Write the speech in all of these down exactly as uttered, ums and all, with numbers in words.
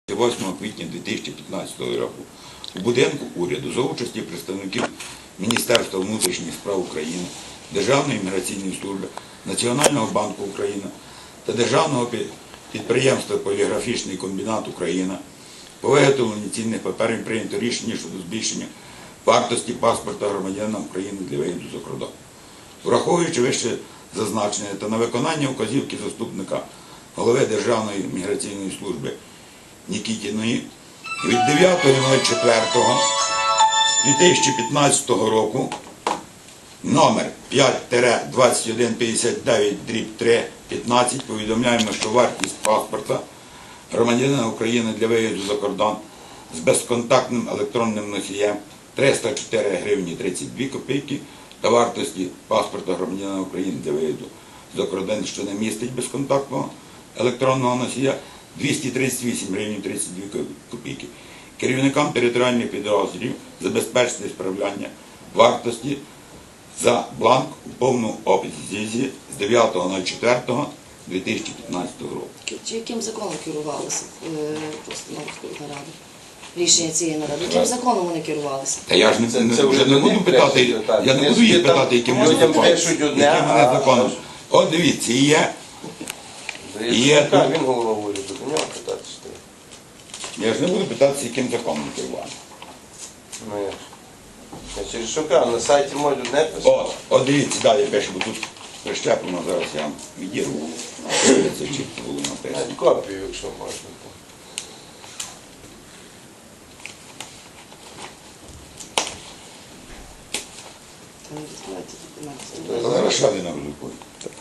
восьмого квітня дві тисячі п'ятнадцятого року у будинку уряду за участі представників Міністерства внутрішніх справ України, Державної міграційної служби, Національного банку України та Державного підприємства «Поліграфічний комбінат Україна» по виготовленню цінних паперів прийнято рішення щодо збільшення вартості паспорта громадянина України для виїзду за кордон. Враховуючи вище зазначене та на виконання вказівки заступника голови Державної міграційної служби Нікітіної від дев'ятого четвертого дві тисячі п'ятнадцятого року номер п'ять двадцять один п'ятдесят дев'ять дріб три п'ятнадцять повідомляємо, що вартість паспорта громадянина України для виїзду за кордон з безконтактним електронним носієм триста чотири гривні тридцять дві копійки та вартості паспорта громадянина України для виїзду за кордон, що не містить безконтактного електронного носія, двісті тридцять вісім гривень тридцять дві копійки. Керівникам територіальних підрозділів забезпечити справляння вартості за бланк у повному обсязі з дев'ятого четвертого дві тисячі п'ятнадцятого року. Чи яким законом керувалися постановкою наради? Рішення цієї наради. Яким законом вони керувалися? Та я ж не, це, це вже не буду питати, я не буду їх питати, яким людям пишуть одне, а законом. От дивіться, і є. І є тут. Він голова уряду, до нього питатися. Я ж не буду питатися, яким законом керували. Ну як? Я через що кажу, на сайті можуть одне писати. О, от дивіться, далі пише, бо тут прищеплено, зараз я вам відірву. Це чітко було написано. Копію, якщо можна. Зараз ще один розрахує.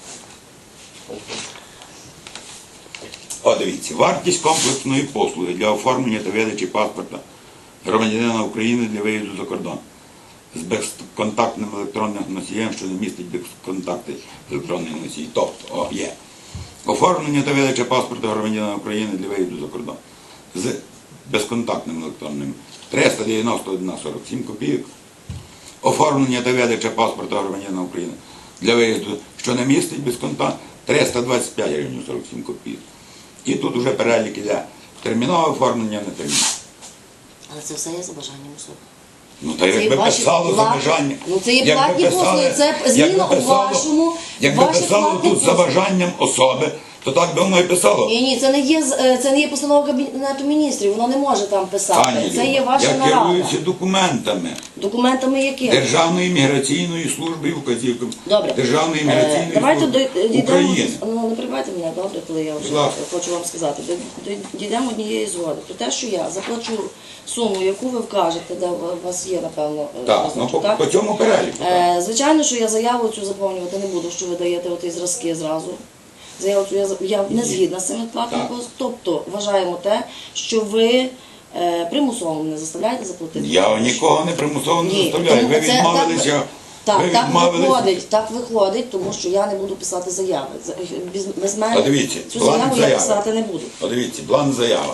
О, дивіться, вартість комплексної послуги для оформлення та видачі паспорта громадянина України для виїзду за кордон з безконтактним електронним носієм, що не містить безконтактний електронний носій. Тобто, о, є. Оформлення та видача паспорта громадянина України для виїзду за кордон з безконтактним електронним триста дев'яносто один сорок сім копійок. Оформлення та видача паспорта громадянина України для виїзду, що не містить безконтактний, триста двадцять п'ять гривень сорок сім копійок. І тут вже перелік іде термінове оформлення, не термінове. Але це все є за бажанням особи. Ну, та якби писало за бажанням. Ну, це є платні послуги, це зміна у вашому, якби писало тут за бажанням особи, то так би воно і писало. Ні, ні, це не є, це не є постанова Кабінету міністрів, воно не може там писати. Пані Це є Люба, ваша я нарада. керуюся документами. Документами якими? Державної міграційної служби і вказівками. Добре. Державної міграційної Давайте служби дійдемо, України. ну не перебивайте мене, добре, коли я вже хочу вам сказати. Дійдемо однієї згоди. Про те, що я заплачу суму, яку ви вкажете, де у вас є, напевно, так, ну, по, по цьому переліку. Е, звичайно, що я заяву цю заповнювати не буду, що ви даєте оті зразки зразу. Заяву цю я, я не згідна з цим платним послугом. Тобто, вважаємо те, що ви е, примусово не заставляєте заплатити. Я нікого не примусово не заставляю. Ви це, відмовилися. Так, ви так, відмовилися. виходить, так виходить, тому що я не буду писати заяви. Без, без мене Подивіться, цю заяву я писати не буду. Подивіться, бланк заява.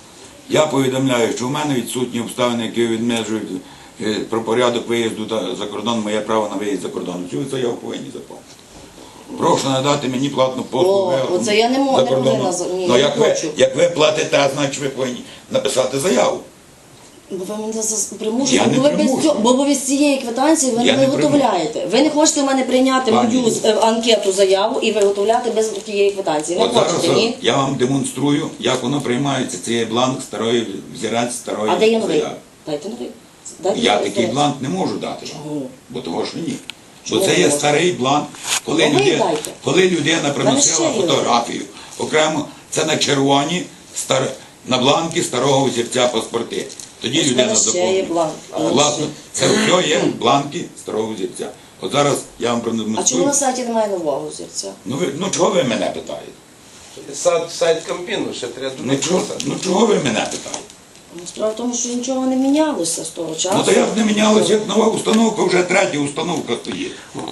Я повідомляю, що в мене відсутні обставини, які відмежують про порядок виїзду за кордон, моє право на виїзд за кордон. Цю заяву повинні заповнити. Прошу надати мені платну послугу. О, оце я не можу, не повинна, ні, ну, не як, ви, хочу. як ви платите, значить ви повинні написати заяву. Бо ви мене примушуєте, Я бо, не ви без цього- бо ви без цієї квитанції ви Я не не виготовляєте. Ви не хочете в мене прийняти Пані мою Люба. е, анкету, заяву і виготовляти без тієї квитанції. Не От хочете, зараз ні? я вам демонструю, як воно приймається. Це є бланк старої, взірець старої А де є новий? заяви. Дайте новий. Дайте Я новий, такий здається. бланк не можу дати вам, Чому? бо того що ні. Чому Бо це не є можете? старий бланк, коли, Ну, ви людина, дайте. коли людина приносила ще є фотографію. Окремо, це на червоні, стар, на бланки старого взірця паспорти. Тоді Ось в людина мене ще заповнює. є бланк. Власне, це все є бланки старого взірця. От зараз я вам А чому продемонструю. на сайті немає нового зірця? Ну, ви, ну чого ви мене питаєте? Сайт, сайт Кампіну, ще треба Ну чого, ну чого ви мене питаєте? Ну, справа в тому, що нічого не мінялося з того часу. Ну то як не мінялося, як нова установка, вже третя установка стоїть.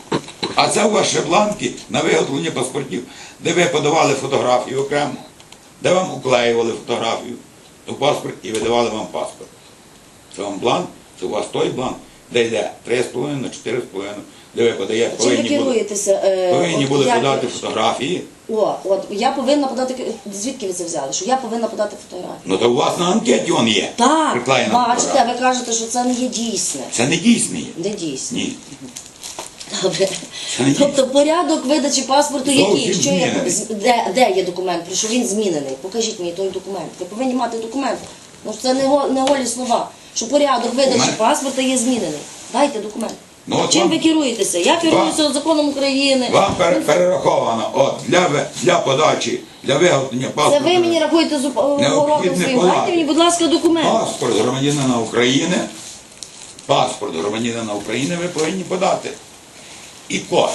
А це ваші бланки на виготовлення паспортів, де ви подавали фотографію окремо, де вам уклеювали фотографію у паспорт і видавали вам паспорт. Це вам бланк, це у вас той бланк, де йде три з половиною на чотири з половиною де ви подаєте, Чим ви повинні були, керуєтеся? е, повинні от були як- подати фотографії. О, от я повинна подати. Звідки ви це взяли? Що я повинна подати фотографію? Ну то у вас на анкеті він є. Так, приклеєна бачите, фотографія. ви кажете, що це не є дійсне. Це не дійсний. Не дійсне. Ні. Добре. Це не Тобто порядок видачі паспорту Зовсім який? Що є, змінений. з- де, де є документ? Про що він змінений? Покажіть мені той документ. Ви повинні мати документ. Ну ж це не, го- не голі слова. Що порядок видачі мене- паспорта є змінений. Дайте документ. Ну, от Чим вам- ви керуєтеся? Я керуюся законом України. Вам пере- перераховано от, для, ви- для подачі, для виготовлення Це паспорту. ви мені рахуєте з оборотом Необхідне своїм. подати. Дайте мені, будь ласка, документ. Паспорт громадянина України, паспорт громадянина України ви повинні подати. І код.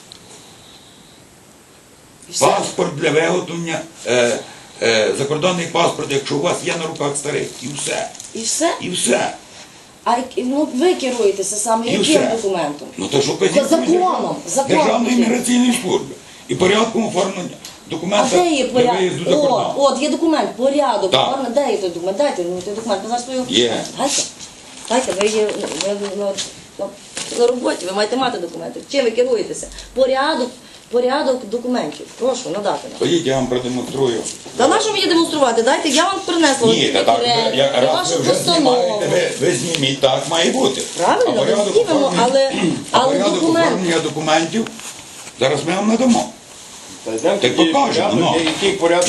І все. Паспорт для виготовлення, е, е, закордонний паспорт, якщо у вас є на руках старий. І все. І все. І все. А як- ну, ви керуєтеся саме І яким все. документом? Ну то що Законом, законом. Державної міграційної служби. І порядком оформлення А документа де є для порядок? виїзду за О, кордон. от є документ, порядок. Так. Ладно, де є той документ? Дайте мені той документ. Ви зараз свою... Є. Дайте. Дайте, ви є ви, ви, на, на, на роботі, ви маєте мати документи. Чим ви керуєтеся? Порядок, порядок документів. Прошу, надати нам. Ходіть, я вам продемонструю. Та на що мені демонструвати? Дайте, я вам принесла Ні, та так, документ, я, раз вашу ви вже постанову. знімаєте, ви, ви зніміть, так має бути. Правильно, А порядок ми знімемо, оформлення- але- а але порядок документ. оформлення документів зараз ми вам надамо. Та йдемо Так тоді покажемо, порядок, ну. який порядок.